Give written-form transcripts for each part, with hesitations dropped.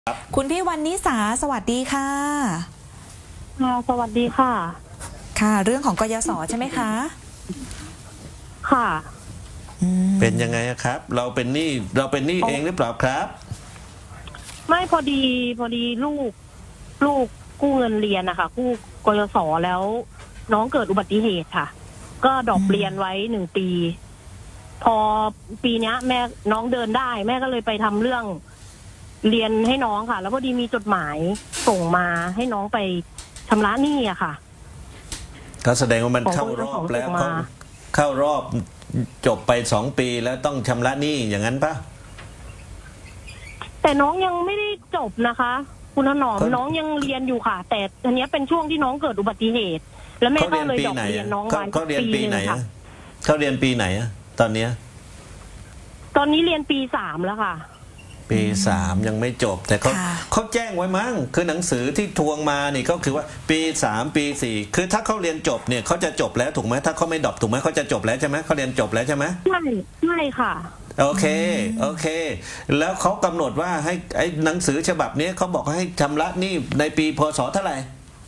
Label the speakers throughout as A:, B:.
A: คุณพี่วรรณิสาสวัสดีค่ะ
B: สวัสดีค่ะ
A: ค่ะเรื่องของกยศใช่ไหมคะ
B: ค่ะ
C: เป็นยังไงครับเราเป็นหนี้เองหรือเปล่าครับ
B: ไม่พอดีลูกกู้เงินเรียนนะคะกู้กยศแล้วน้องเกิดอุบัติเหตุค่ะก็ดรอปเรียนไว้1 ปี พอปีนี้แม่น้องเดินได้แม่ก็เลยไปทำเรื่องเรียนให้น้องค่ะแล้วพอดีมีจดหมายส่งมาให้น้องไปชำระหนี้อะค่ะ
C: ก็แสดงว่ามันเข้ารอบแล้วเข้ารอบจบไป2 ปีแล้วต้องชำระหนี้อย่างนั้นปะ
B: แต่น้องยังไม่ได้จบนะคะ คุณถนอมน้องยังเรียนอยู่ค่ะ แต่อันนี้เป็นช่วงที่น้องเกิดอุบัติเหตุ แล้วแม่ก็เลยดรอปเรียนน้องไว้
C: ปีไหน
B: ค่ะ
C: เขาเรียนปีไหนตอนนี้
B: เรียนปี 3แล้วค่ะ
C: ปี 3ยังไม่จบแต่เขาแจ้งไว้มั้งคือหนังสือที่ทวงมานี่ก็คือว่าปี 3 ปี 4คือถ้าเขาเรียนจบเนี่ยเขาจะจบแล้วถูกไหมถ้าเขาไม่ดรอปถูกไหมเขาจะจบแล้วใช่ไหมเขาเรียนจบแล้วใช่ไหม
B: ใช่ค่ะ
C: โอเคแล้วเขากำหนดว่าให้ไอ้หนังสือฉบับนี้เขาบอกให้ชำระหนี้ในปีพศเท่าไหร่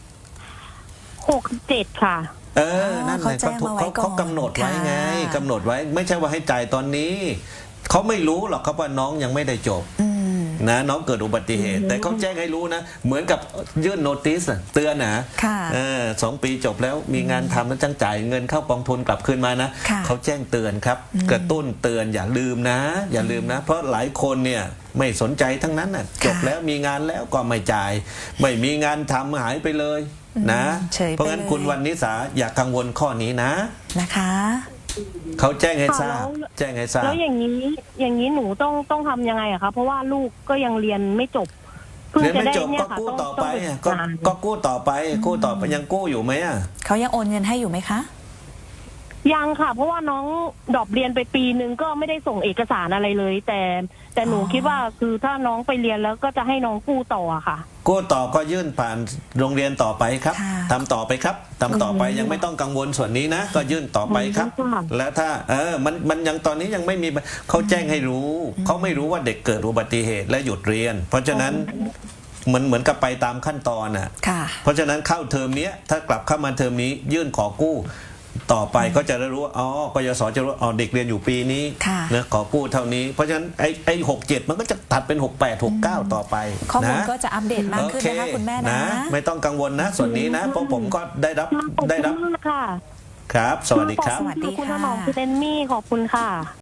B: 67ค่ะ
C: นั่นแหละเขากำหนดไว้ไงกำหนดไว้ไม่ใช่ว่าให้จ่ายตอนนี้เขาไม่รู้หรอกครับว่าน้องยังไม่ได้จบนะน้องเกิดอุบัติเหตุแต่เขาแจ้งให้รู้นะเหมือนกับยื่นโนติสเตือนนะ2 ปีจบแล้วมีงานทำแล้วจังจ่ายเงินเข้ากองทุนกลับคืนมานะเขาแจ้งเตือนครับกระตุ้นเตือนอย่าลืมนะเพราะหลายคนเนี่ยไม่สนใจทั้งนั้นน่ะจบแล้วมีงานแล้วก็ไม่จ่ายไม่มีงานทำหายไปเลยนะเพราะงั้นคุณวรรณิสาอย่ากังวลข้อนี้
A: นะคะ
C: เขาแจ้งให้ทราบ
B: แล้วอย่างนี้หนูต้องทำยังไงอะคะเพราะว่าลูกก็ยังเรียนไม่จบเ
C: รียนไม่จบก็กู้ต่อไปก็กู้ต่อไปยังกู้อยู่ไหม
A: เขายังโอนเงินให้อยู่ไหมคะ
B: ยังค่ะเพราะว่าน้องดรอปเรียนไปปีนึงก็ไม่ได้ส่งเอกสารอะไรเลย แต่หนูคิดว่าคือถ้าน้องไปเรียนแล้วก็จะให้น้องกู้ต่อค่ะ
C: กู้ต่อก็ยื่นผ่านโรงเรียนต่อไปครับทำต่อไปครับทำต่อไปยังไม่ต้องกังวลส่วนนี้นะก็ยื่นต่อไปครับแล้วถ้ามันยังตอนนี้ยังไม่มีเขาแจ้งให้รู้เขาไม่รู้ว่าเด็กเกิดอุบัติเหตุและหยุดเรียนเพราะฉะนั้นเหมือนกับไปตามขั้นตอนน่ะเพราะฉะนั้นเข้าเทอมนี้ถ้ากลับเข้ามาเทอมนี้ยื่นขอกู้ต่อไปก็จะได้รู้ว่ากยศจะรู้เด็กเรียนอยู่ปีนี้นะขอกู้เท่านี้เพราะฉะนั้นไอ้67มันก็จะตัดเป็น68 69ต่อไป
A: ข้อมูลก็จะอัปเดตมากขึ้นนะคะคุณแม่นะ
C: ไม่ต้องกังวลนะส่วนนี้นะเพราะผมก็ได้รับ
B: ค่ะ
C: ครับสวัสดีครับ
B: สวัสดีค่ะคุณถนอมคุณเอมมี่ขอบคุณค่ะ